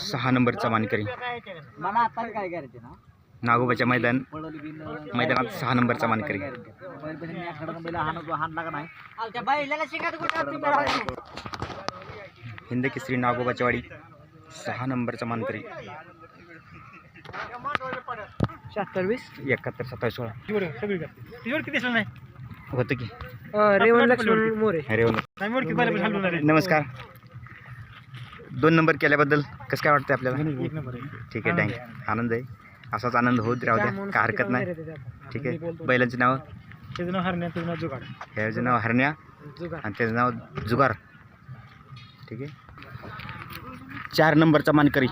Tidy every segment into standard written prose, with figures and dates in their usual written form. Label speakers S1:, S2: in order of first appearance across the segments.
S1: 6 नंबरचा मानकरी
S2: मला आता काय करायचे ना
S1: नागोबाच्या मैदानात 6 नंबरचा मानकरी हिंद केसरी नागोबाच्या वाडी 6 नंबरचा मानकरी
S2: 76
S1: 71 27 16 होतं की
S2: रेवण लक्ष्मण मोरे.
S1: अरे नमस्कार. 2 नंबर केल्याबद्दल कसं काय वाटतं आपल्याला? ठीक आहे, थँक्यू. आनंद आहे, असाच आनंद होत राहू द्या, काय हरकत नाही. ठीक आहे. बैलांचे नाव?
S2: त्याचं नाव हरण्या, त्याचं नाव जुगाड.
S1: ह्याचं नाव हरण्या आणि त्याचं नाव जुगार. ठीक आहे. 4 नंबरचा मानकरी.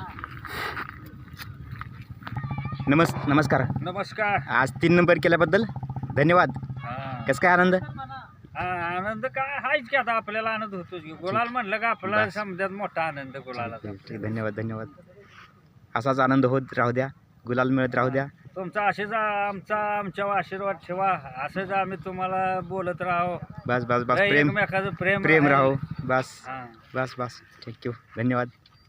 S1: नमस्कार.
S3: नमस्कार.
S1: आज 3 नंबर केल्याबद्दल धन्यवाद. कसं काय आनंद?
S3: आनंद काय हायच की, आता आपल्याला आनंद होतोच की. गुलाल म्हणलं का आपला समजात मोठा आनंद गुलाला.
S1: ठीक, धन्यवाद. असाच आनंद होत राहू द्या, गुलाल मिळत राहू द्या.
S3: तुमचा असेच आमच्यावर आशीर्वाद ठेवा. असंच आम्ही तुम्हाला बोलत राहू.
S1: बस
S3: एकमेकाचं
S1: प्रेम राहू. बस.
S3: हा.
S1: थँक्यू, धन्यवाद.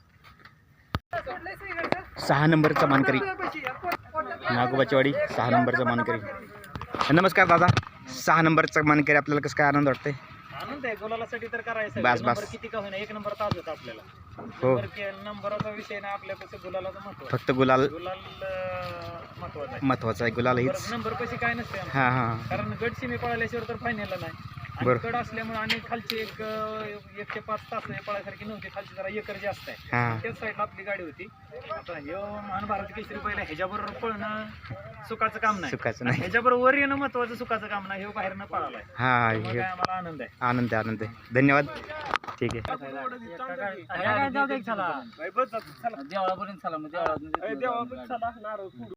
S1: 6 नंबरचा मानकरी नागोबाची वाडी 6 नंबरचा मानकरी. नमस्कार दादा. 6 नंबरचा मानकरी, आपल्याला कसं काय आनंद वाटतंय?
S2: आनंद आहे गुलालासाठी तर करायचं.
S1: बस.
S2: नंबर किती का होईना, 1 नंबर ताज होता आपल्याला.
S1: हो,
S2: नंबराचा विषय ना, आपल्याकडे गुलालाचं महत्व.
S1: फक्त गुलाल
S2: महत्वाचं आहे.
S1: महत्वाचा आहे. गुलाल हीच.
S2: नंबर पैसे काय नसते आमचं.
S1: हां.
S2: कारण गट सीमे पळाल्याशिवाय तर फायनलला नाही. आणि
S1: बरं.
S2: गड असल्यामुळे आणि खालची 1 ते 5 तास पळायसारखी नव्हती. खालची जरा एकर जास्त आहे.
S1: हां.
S2: त्याच साईडला आपली गाडी होती. आता हे महाभारत केसरी पहिला ह्याच्याबरोबर पळणं सुखाचं काम नाही.
S1: सुखाचं नाही.
S2: ह्याच्याबरोबर वर येणं महत्वाचं, सुखाचं काम नाही. हे बाहेरनं पळालाय.
S1: हां,
S2: मग
S1: हे
S2: काय आम्हाला आनंद आहे.
S1: आनंद आहे. धन्यवाद. ठीक आहे.
S2: देवळापर्यंत चला, मग देवळापर्यंत